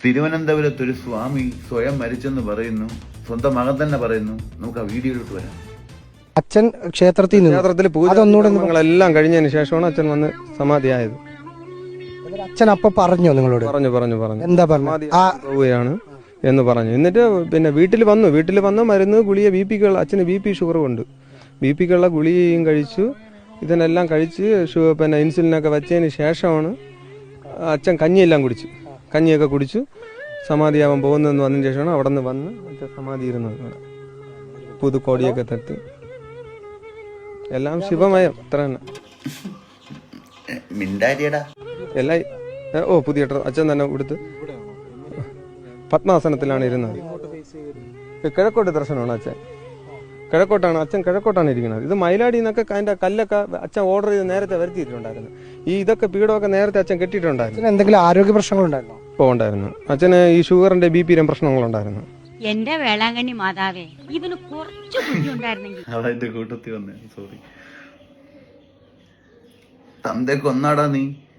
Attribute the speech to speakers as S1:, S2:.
S1: തിരുവനന്തപുരത്ത് ഒരു സ്വാമി സ്വയം മരിച്ചെന്ന് പറയുന്നു. സ്വന്തം മകൻ തന്നെ പറയുന്നു. നമുക്ക് ആ വീഡിയോയിലോട്ട് വരാം.
S2: അച്ഛൻ ക്ഷേത്രത്തിൽ
S3: പൂജകളെല്ലാം കഴിഞ്ഞതിന് ശേഷമാണ് അച്ഛൻ വന്ന് സമാധിയായത്.
S2: അച്ഛൻ അപ്പൊ പറഞ്ഞോ നിങ്ങളോട്?
S3: പറഞ്ഞു
S2: എന്താ പറഞ്ഞു?
S3: പോവുകയാണ് എന്ന് പറഞ്ഞു. എന്നിട്ട് പിന്നെ വീട്ടിൽ വന്ന് മരുന്ന് ഗുളിക അച്ഛന് BP ഷുഗർ ഉണ്ട്. BPക്കുള്ള ഗുളികയും കഴിച്ചു. ഇതിനെല്ലാം കഴിച്ച് പിന്നെ ഇൻസുലിനൊക്കെ വെച്ചതിന് ശേഷമാണ് അച്ഛൻ കഞ്ഞിയൊക്കെ കുടിച്ചു സമാധിയാവാൻ പോകുന്നതെന്ന് വന്നതിന് ശേഷമാണ് അവിടെ നിന്ന് വന്ന് അച്ഛൻ സമാധി ഇരുന്നത്. പുതുക്കോടിയൊക്കെ തട്ടി എല്ലാം ശിവമയം അത്ര തന്നെ. എല്ലാം പുതിയ അച്ഛൻ തന്നെ കൊടുത്ത് പത്മാസനത്തിലാണ് ഇരുന്നത്. കിഴക്കോട്ട് ദർശനമാണ് അച്ഛൻ. കിഴക്കോട്ടാണ് ഇരിക്കുന്നത്. ഇത് മയിലാടി നിന്നൊക്കെ അതിന്റെ കല്ലൊക്കെ അച്ഛൻ ഓർഡർ ചെയ്ത് നേരത്തെ വരുത്തിയിട്ടുണ്ടായിരുന്നു. ഇതൊക്കെ പീഠമൊക്കെ നേരത്തെ അച്ഛൻ കെട്ടിയിട്ടുണ്ടായിരുന്നു.
S2: എന്തെങ്കിലും ആരോഗ്യ പ്രശ്നങ്ങളുണ്ടായിരുന്നു?
S3: ഉണ്ടായിരുന്നു. അച്ഛന് ഈ ഷുഗറിന്റെ BP പ്രശ്നങ്ങളുണ്ടായിരുന്നു.
S4: എന്റെ വേളാങ്കണ്ണി മാതാവേ, ഇവന് കുറച്ച് ബുദ്ധിയുണ്ടായിരുന്നെങ്കിൽ.
S1: കൂട്ടത്തിൽ വന്നേ. സോറി. തന്തേ കൊന്നാടാ നീ.